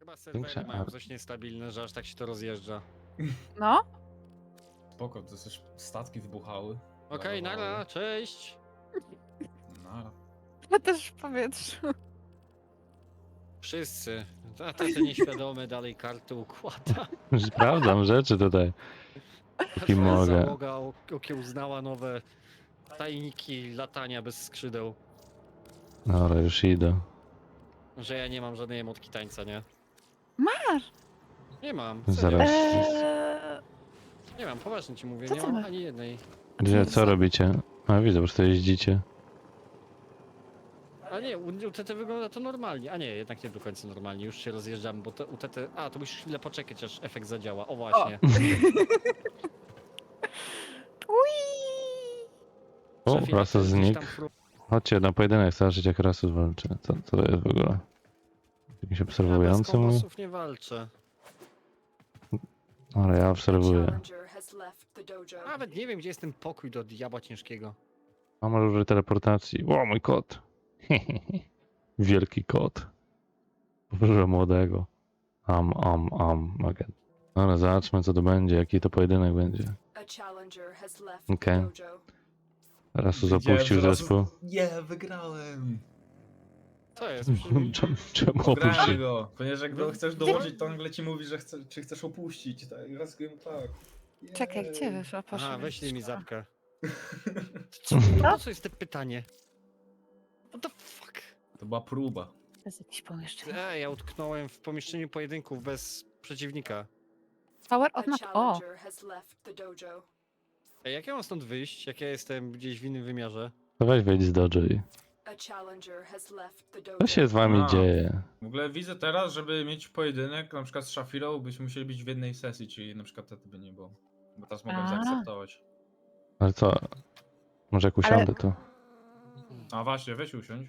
Chyba serwery mają coś niestabilne, że aż tak się to rozjeżdża. No, Spoko, to też statki wybuchały. Okej, nara, cześć! Nara. ja też w powietrzu. Wszyscy. A ten nieświadomy dalej karty układa. Sprawdzam rzeczy tutaj. I mogę. Załoga okiełznała nowe tajniki latania bez skrzydeł. Dobra, już idę. Że ja nie mam żadnej emotki tańca, nie? Masz! Nie mam. Zaraz. Nie mam, poważnie ci mówię, Co nie ty mam masz? ani jednej. Gdzie, co robicie? A widzę, po prostu jeździcie. A nie, u TT wygląda to normalnie. A nie, jednak nie do końca normalnie, już się rozjeżdżamy, bo u TT... A, to musisz chwilę poczekać, aż efekt zadziała. O właśnie. Ui! O, Szefie, Rasus gdzieś znikł. tam Chodźcie na pojedynek, zobaczyć jak Rasus walczy. Co to jest w ogóle? Jakiś Ja bez obserwujący mój? kombosów nie walczę. Ale ja obserwuję. Challenger has left the dojo. Nawet nie wiem, gdzie jest ten pokój do diabła ciężkiego. Mam różne teleportacji. O, mój kot! Wielki kot. Boże młodego. Again. Dobra, zobaczmy co to będzie, jaki to pojedynek będzie. A challenger has left Okej. the dojo. Rasus opuścił zespół. Nie, wygrałem! Co jest? Czemu Grałem opuścił? go, ponieważ jak go chcesz dołożyć, to nagle ci mówi, że czy chcesz opuścić. Tak, raz go tak. Czekaj, gdzie wyszła? Aha, Poszła. weźlij mi zapkę. Co? Po co jest to pytanie? What the fuck? To była próba. To jest jakieś pomieszczenie. Ja utknąłem w pomieszczeniu pojedynków bez przeciwnika. Power A of not... O! challenger has left the dojo. Jak ja mam stąd wyjść, jak ja jestem gdzieś w innym wymiarze? To weź wejdź z Dojo i... A challenger has left the dojo. Co się z wami A. dzieje? W ogóle widzę teraz, żeby mieć pojedynek, na przykład z Shafirą, byśmy musieli być w jednej sesji, czyli na przykład wtedy by nie było. Bo teraz mogę A. zaakceptować. Ale co? Może jak usiądę to... A właśnie, weź usiądź.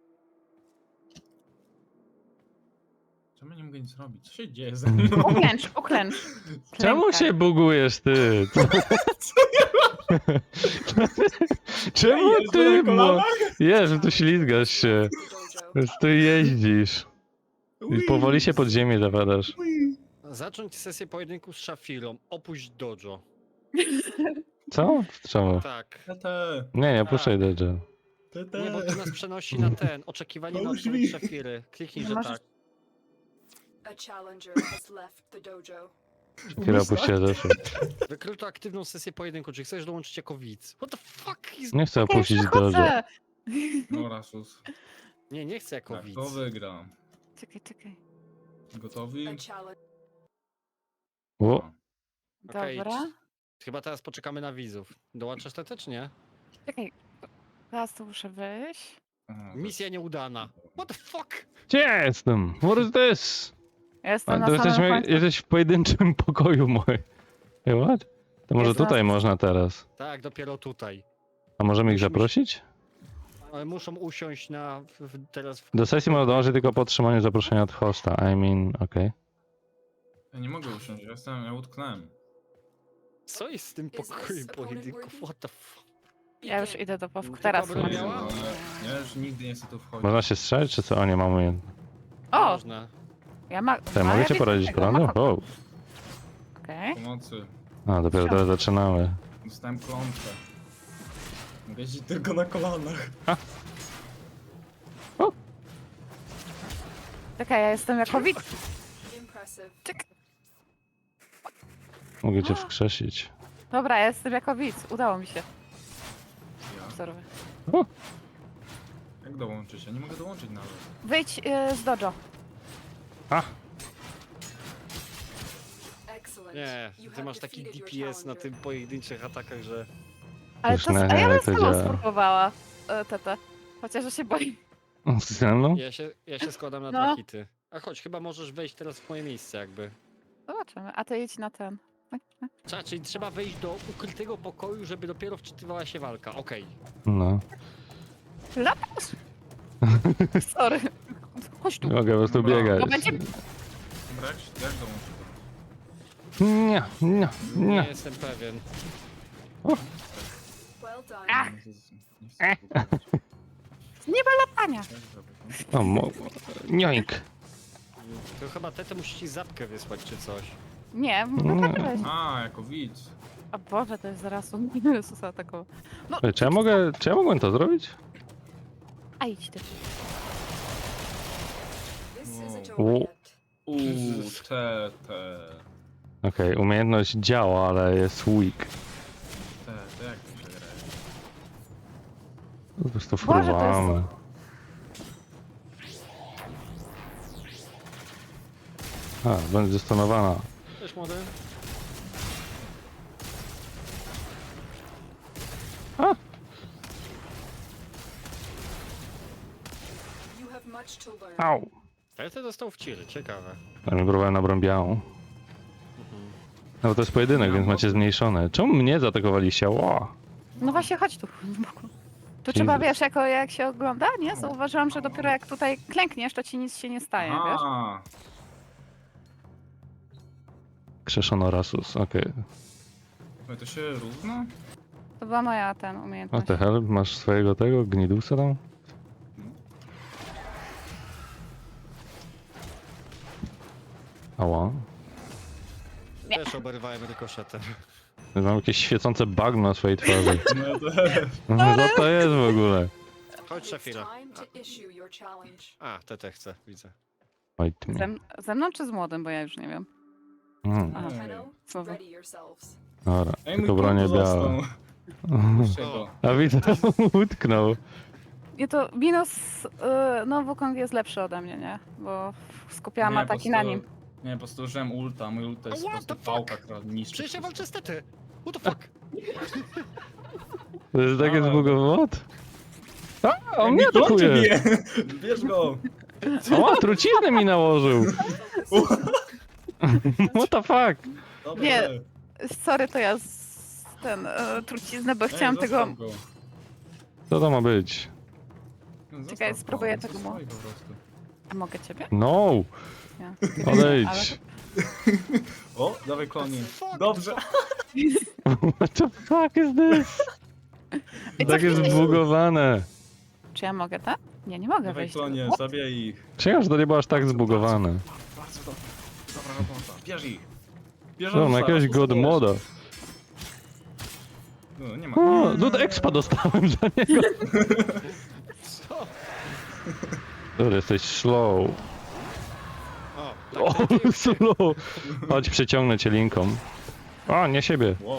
Czemu nie mogę nic robić? Co się dzieje ze mną? Uklęcz, uklęcz. Czemu Klękaj. się bugujesz ty? Czemu Jeżdżę ty? na kolanach? Jezu, tu ślizgasz się. The dojo. Tu jeździsz. I powoli się pod ziemię zawadasz. Zacząć sesję pojedynku z Shafirą. Opuść dojo. Co? Czemu? Tak. Tete, Nie puszczaj Dojo. tete. Nie, bo to nas przenosi na ten. Oczekiwanie na Pomóż odpowiedź mi. Shafiry. Kliknij, Nie że możesz- tak. A challenger has left the dojo. Chwilę opuściła Dojo. Wykryto aktywną sesję pojedynku. Czy chcesz dołączyć jako widz? What the fuck is... Nie chcę Ja już opuścić Dojo. wychodzę. No Rasus. Nie chcę jako Tak, widz. to wygra. Czekaj. Gotowi? A challenge. O, Okej, Dobra. Chyba teraz poczekamy na widzów. Dołączasz TT czy nie? Czekaj. Teraz tu muszę wyjść. Aha, Misja nieudana. What the fuck? gdzie ja jestem? What is this? Ja jestem A, na to samym końcu. jesteś w pojedynczym pokoju mój. What? To może Jest tutaj Rasus. można teraz. Tak, dopiero tutaj. A możemy ich Musimy się- zaprosić? Ale muszą usiąść na... teraz w... Do sesji można dołączyć tylko po otrzymaniu zaproszenia od hosta. I mean, okej. Ja nie mogę usiąść, ja utknąłem. Co jest z tym Is this pokojem opponent pojedynków? worthy? What the fuck? Ja już idę do powku. Tylko Teraz. broń Max. miała? Ale ja już nigdy nie chcę tu wchodzić. Można się strzelić, czy co? O, nie mamy jedno. O! Można. Ja ma... Ty, a, mogę ja cię widzę poradzić tego, prądu? ma- O. Okej. Pomocy. A, dopiero teraz zaczynamy. Dostałem klątwę. Mogę jeździć tylko na kolanach. Czekaj, ja jestem jako widz. Impressive. Mogę cię wskrzesić. Dobra, ja jestem jako widz. Udało mi się. Ja? Obserwuję. Jak dołączyć? Ja nie mogę dołączyć nawet. Wyjdź z dojo. Excellent. Nie, You ty have masz taki defeated your DPS na challenger. tym pojedynczych atakach, że... Ale Już to... nie, A ja bym jak to sama działa. spróbowała. Tete. Chociaż ja się boję. Ze mną? Ja się składam na No. dwa hity. A chodź, chyba możesz wejść teraz w moje miejsce jakby. Zobaczymy. A ty idź na ten. Czyli trzeba wejść do ukrytego pokoju, żeby dopiero wczytywała się walka. Okej. No. Latasz? Sorry. Chodź tu. Nie mogę po prostu Dobra. biegać. Bo będzie... Dobra, jak dołączę to? Nie. Nie jestem pewien. Well done. Ach. Nie chcę tego robić. Nie ma latania. O, joink. To chyba Tete musi ci zapkę wysłać czy coś. Nie, Nie. mogę weź. A, jako widz. A Boże, to jest zaraz on Jezusa takowo. No, Ej, czy ja mogłem to zrobić? a idź ty. This isn't Wow. over yet. Te. Okej, umiejętność działa, ale jest weak. Te, jak to się gra? Po prostu Boże, to jest- fruwamy. A, będzie zastanowana. Cześć młody. You have much to learn. Au! Tete dostał w ciry, ciekawe. Ja mi próbowałem na broń białą. Mhm. No bo to jest pojedynek, więc macie zmniejszone. Czemu mnie zaatakowaliście? Ło! No właśnie, chodź tu. Tu trzeba, Jesus. wiesz, jak się ogląda, nie? Zauważyłam, że dopiero jak tutaj klękniesz, to ci nic się nie staje, wiesz? A, Krzeszono Rasus, okej. okay. To się równa? To była moja O umiejętność. the hell, masz swojego tego gnidusa tam? Ała. Nie. Też oberwałem rykoszetem. Mam jakieś świecące bagno na swojej twarzy. No to... Co to jest w ogóle? Chodź It's Shafira. time to issue your challenge. A, Tete chce, widzę. Oj, ty mnie. Ze mną czy z młodym, bo ja już nie wiem. Mm, A. Tenno, Słowo. ready yourselves. dobra, Ej, mój tylko bronie kombo białe. został. Puśćcie go. A widzę, utknął. Nie, to minus, no Wukong jest lepszy ode mnie, nie? Bo skupiałam Nie, po ataki prostu- na nim. Nie, po prostu użyłem ulta. Mój ult to jest po What prostu the fuck? pałka, która niszczy. Przecież ja wszystko. walczę z Tety! What the fuck? To jest takie Ale- zbugowało. A, on Ej, mnie klon cię atakuje! bije! Bierz go! O, truciznę mi nałożył! What the fuck? Dobra, Nie, ej. Sorry, to ja truciznę, bo chciałam tego... zostaw go. Co to ma być? Zostaw Czekaj, go, spróbuję on tego stoi mo- po prostu. A mogę ciebie? No! Nie. Odejdź! O, dawaj klonie. Fuck, Dobrze. What the fuck is this? Ej, co Tak jest chwilę- zbugowane. Czy ja mogę, tak? Nie, nie mogę Dawaj wejść. klonie, What? zabijaj ich. Czekam, że to nie było aż tak zbugowane. Bardzo dobrze. Dobra robota. Bierz ich. Bierz No, na Azusa, jakiegoś Azus god bierz. moda. No, nie ma. O, no to expa dostałem za niego. Co? Dobra, jesteś slow. O, O, slow. Chodź, przeciągnę cię linką. O, nie siebie. Wow.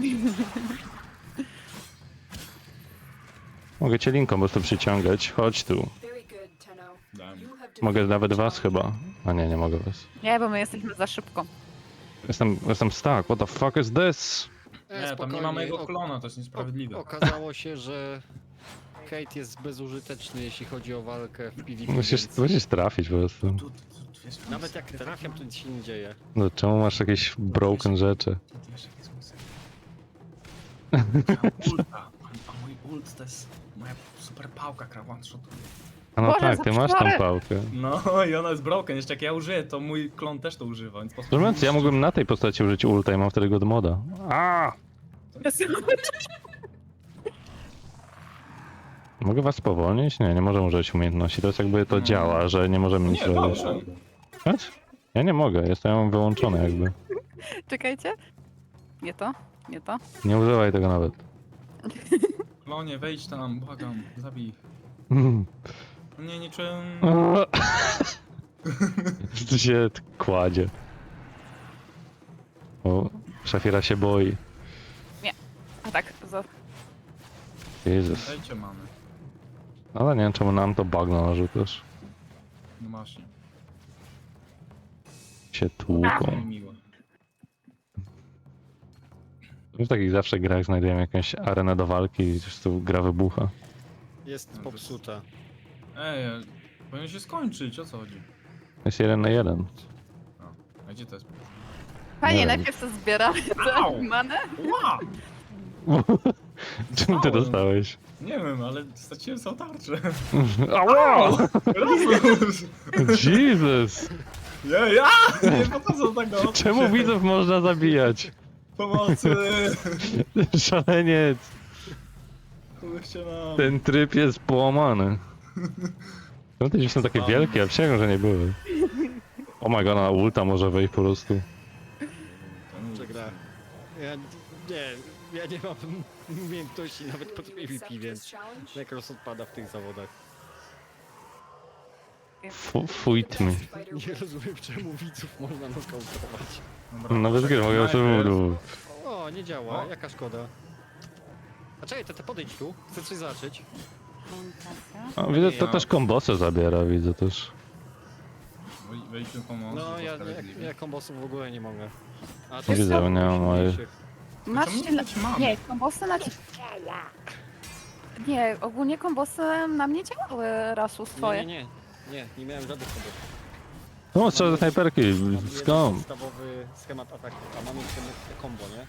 Mogę cię linką po prostu przyciągać. Chodź tu. Very good, Tenno. Dałem. You have Mogę defeated nawet the was chyba. challenge. A nie, nie mogę was. Nie, bo my jesteśmy za szybko. Jestem stuck. What the fuck is this? Nie, tam nie spokojnie. ma mojego klona, to jest niesprawiedliwe. Okazało się, że Kate jest bezużyteczny, jeśli chodzi o walkę w PvP. więc Musisz trafić po prostu. Tu, wiesz, Nawet jak trafiam, to nic się nie dzieje. No czemu masz jakieś broken rzeczy? Ty wiesz, jak jest mój sen. Ulta. A mój ult to jest moja super pałka, która one-shotuje. A no Boże, tak, ty masz tam zaprzeczone. pałkę. No i ona jest broken, jeszcze jak ja użyję, to mój klon też to używa, więc po prostu... Szczerze mówiąc, ja mógłbym na tej postaci użyć ulta i mam wtedy god moda. A! Mogę was spowolnić? Nie, nie możemy użyć umiejętności. To jest jakby to działa, że nie możemy nic Nie, robić. dobrze. Patrz? Ja nie mogę, jestem wyłączony jakby. Czekajcie. Nie to, nie to. Nie używaj tego nawet. Klonie, wejdź tam, błagam, zabij ich. Nie, niczym... Tu się kładzie. O, Szafira się boi. A tak, Jezus. Dajcie mamy. Ale nie wiem czemu nam to bagno narzucasz. No właśnie. Się tłuką. Nie miło. W takich zawsze grach znajdujemy jakąś arenę do walki i po prostu gra wybucha. Jest popsuta. Ej, powinien się skończyć, o co chodzi? Jest 1 na 1. A gdzie to jest? Panie, Nie wiem. najpierw to zbieramy Au! tę manę. Ła! Czemu ty dostałeś? Nie wiem, ale straciłem całą tarczę. Ała! Razus! Jesus! Nie, ja! Nie pokazał tego! Czemu widzów można zabijać? Pomocy! Szaleniec! Pomóżcie nam! Ten tryb jest połamany. No te dzieci są takie wielkie, ja przysięgam, że nie były. O my god, na ulta może wejść po prostu. Przegra. Ja nie mam umiejętności nawet pod PvP, Accept więc this challenge? Necros odpada w tych zawodach. Fuit mi. Fighter Nie wins. rozumiem, czemu widzów można nokautować. Dobra, Nawet gry mogę o najpierw- czym O, nie działa, O. jaka szkoda. A czekaj, to podejdź tu, chcę coś zacząć. Orientacja. A, widzę, to też kombosy zabiera, widzę też. Wejdźmy pomoc. No, ja sprawiedliwie. kombosów w ogóle nie mogę. A Wiesz Widzę, co? nie mam mojej. Masz Czemu się... nie mam? Nie, kombosy na... Nie, ogólnie kombosy na mnie działały, Rasus, twoje. Nie miałem żadnych kombosów. No, trzeba ze snajperki, Mam jeden skąd? podstawowy schemat ataku, a mam jeszcze combo, nie?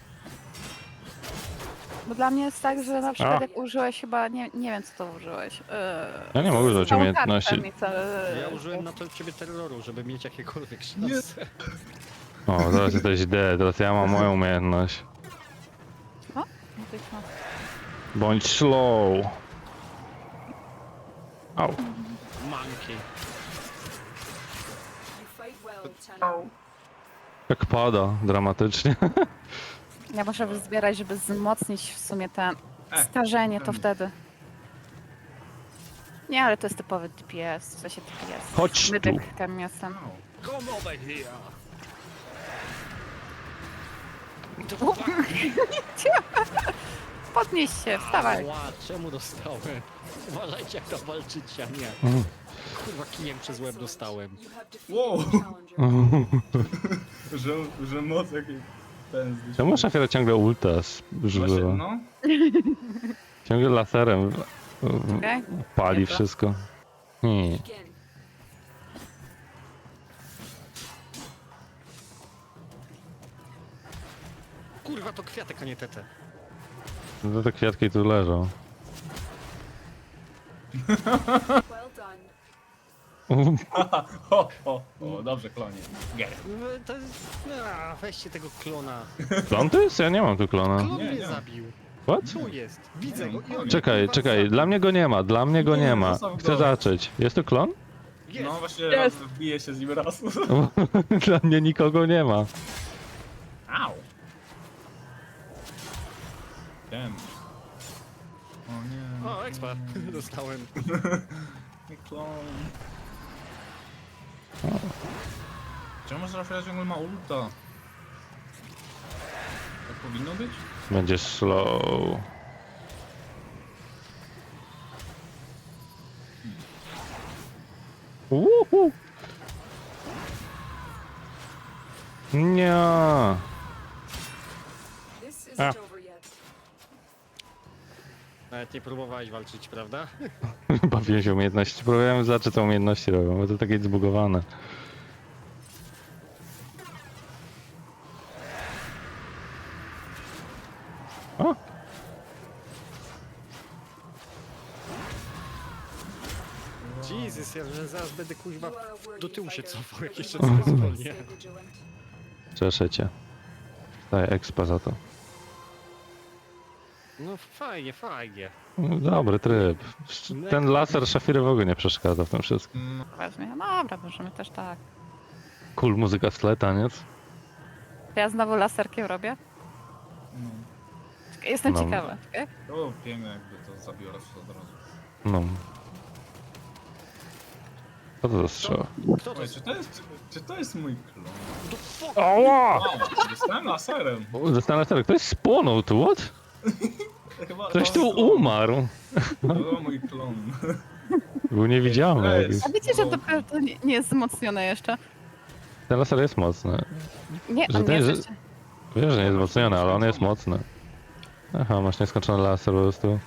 Bo dla mnie jest tak, że na przykład A. jak użyłeś chyba, nie wiem co to użyłeś. Ja nie mogę używać całą umiejętności. kartę mi Ja użyłem na to ciebie terroru, żeby mieć jakiekolwiek Nie. szanse. O, teraz jesteś D, teraz ja mam moją umiejętność. Bądź slow. Au. Monkey. You fight well, Tenno. Jak pada, dramatycznie. Ja muszę wyzbierać, żeby wzmocnić w sumie ten starzenie, to ten. wtedy. Nie, ale to jest typowy DPS, w sensie DPS. Chodź tu. Mydek kamiasem. Come over here! Podnieś się, wstawaj. Ła, czemu dostałem? Uważajcie jak to walczycie, a nie. Mhm. Kurwa, kijem przez łeb dostałem. You have defeated Wow. the challenger. że moc jakiej pędzli. Czemu szafira ciągle ulta Właśnie, używa? no. Ciągle laserem Okej? pali Dobra. wszystko. Nie. Begin. Kurwa, to kwiatek, a nie tete. No te kwiatki tu leżą. Well done. O, dobrze, klonie. Get it. To jest... weźcie tego klona. Klon to jest? Ja nie mam tu klona. Klon Nie, mnie nie. zabił. What? Tu jest. Widzę go. i on Czekaj, kurwa czekaj, zabił. dla mnie go nie ma, dla mnie go Nie, nie ma. zostaw Chcę go. zacząć. Jest tu klon? Jest. No właśnie, Jest. wbije się z nim raz. Dla mnie nikogo nie ma. Au. Damn. O nie. O, expa. Dostałem. Nie klon. Czemu Rafał ciągle ma ulta? Tak powinno być? Będzie slow. Uhu. Nie. This isn't Ah. over yet. Nawet nie próbowałeś walczyć, prawda? Bawiłem się umiejętności. Próbowałem zobaczyć co umiejętności robią, bo to takie zbugowane. O! Jesus, ja że zaraz będę kuźwa You are a worthy do tyłu się fighter, cofał, but jak jeszcze remember coś to zwolnię. stay vigilant. Cieszę cię. Daję expa za to. No fajnie, fajnie. Dobry tryb. Ten laser szafiry w ogóle nie przeszkadza w tym wszystkim. No, Weźmie. No dobra, możemy też tak. Cool muzyka z tle, taniec. To ja znowu laserkiem robię? no. Jestem No. ciekawa. Okay? To było piękne jakby to zabiło raz od razu. No. Co to za strzał? Kto to Oj, jest? czy to jest mój klon? The fuck? Oła! O, dostałem laserem. Zastanawiam się, ktoś spłonął tu, what? Chyba Ktoś to tu jest klon. umarł. To był mój klon. Był niewidzialny To jakiś. jest- A wiecie, że to nie jest wzmocnione jeszcze? Ten laser jest mocny. Nie, Że on ten nie jest jest- jeszcze. Wiesz, że nie jest wzmocniony, ale on jest mocny. Aha, masz nieskończony laser po prostu.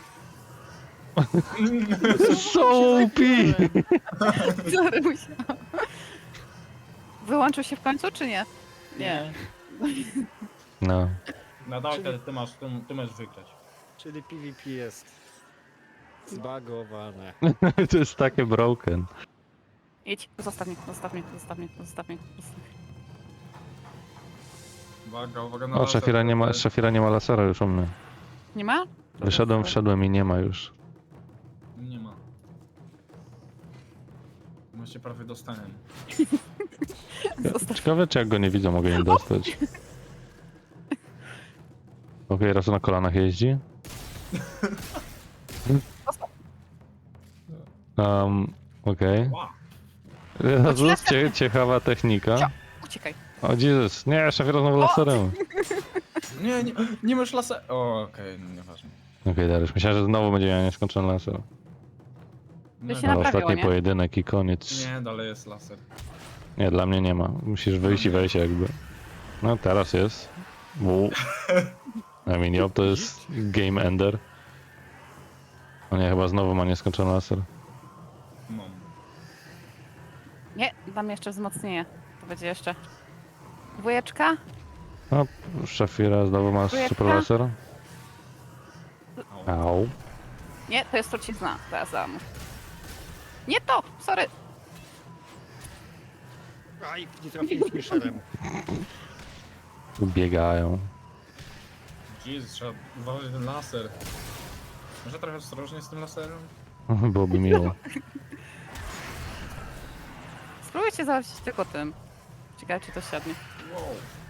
So OP! Sorry, musiałam. Wyłączył się w końcu, czy nie? Nie. No. Nadal ty masz wygrać. Czyli PvP jest zbagowane. To jest takie broken. Idź, zostaw mnie, zostaw mnie, zostaw mnie, zostaw mnie. Uwaga, uwaga na O, laser. Szafira nie ma lasera już u mnie. Nie ma? Wszedłem i nie ma już. Nie ma. Właśnie prawie dostałem. Zostaw. Ciekawe, czy jak go nie widzę, mogę im dostać. Okej, raz na kolanach jeździ. Okej. Wow. Jezus, ciekawa technika. Uciekaj. O Jezus, nie, szafira znowu laserem. Nie masz laser. O, okej, no nieważne. Okej, Dariusz, myślałem, że znowu będzie miał nieskończony laser. No, się Ale naprawiło, ostatni nie? pojedynek i koniec. nie, dalej jest laser. Nie, dla mnie nie ma. Musisz wyjść i wejść jakby. No teraz jest. Wow. I mean, yep, to jest game ender. O nie, chyba znowu ma nieskończony laser. Mam. Nie, dam jeszcze wzmocnienie. To będzie jeszcze. Dwójeczka? No, Shafira znowu ma Trójeczka? super laser. Au. Au. Nie, to jest trucizna. Teraz dam. Nie to! Sorry. Aj, nie trafiłem Misherem. Biegają. Jezus, trzeba uważać ten laser. Może trochę ostrożnie z tym laserem? Byłoby miło. Spróbujcie załatwić tylko tym. Ciekawe, czy to siadnie. Wow.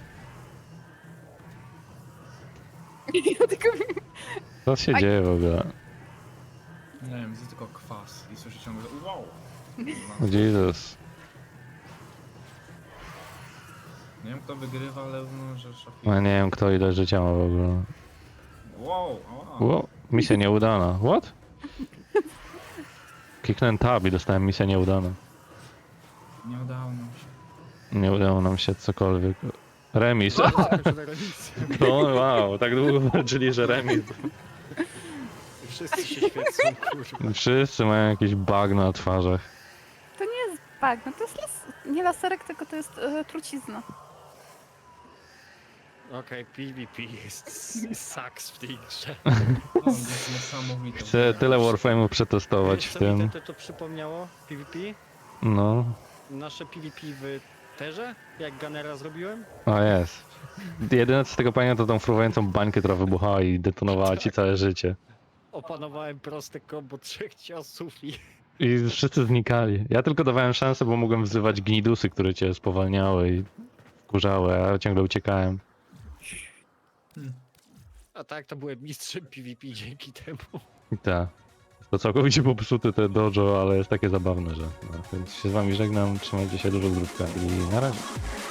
Ja tylko... Co się Aj. dzieje w ogóle? Nie wiem, widzę tylko kwas i słyszę ciągle wow. Jesus. Nie wiem kto wygrywa, ale no, że Shafira. No nie wiem kto ile życia ma w ogóle. Wow, wow. Wow, misja nieudana. What? Kliknąłem tab i dostałem misję nieudana. Nie udało nam się. Nie udało nam się cokolwiek. Remis. Zakończone remisje. No wow, tak długo walczyli, że remis. Wszyscy się świecą, kurwa. Wszyscy mają jakiś bug na twarzach. To nie jest bagno, to jest nie laserek, tylko to jest trucizna. Okej, PvP jest sucks w tej grze. O, jest niesamowite. Chcę tyle Warframe'ów przetestować w Co mi tym. to przypomniało? PvP? No. Nasze PvP w Terze? Jak Gunnera zrobiłem? O jest. Jedyne co z tego pamiętam to tą fruwającą bańkę, która wybuchała i detonowała ci całe życie. Opanowałem proste kombo 3 ciosów i... I wszyscy znikali. Ja tylko dawałem szansę, bo mogłem wzywać gnidusy, które cię spowalniały i wkurzały, a ja ciągle uciekałem. A tak, to byłem mistrzem PvP dzięki temu. I tak. To całkowicie popsute te dojo, ale jest takie zabawne, że... No, więc się z wami żegnam, trzymajcie się dużo zdrówka i na razie.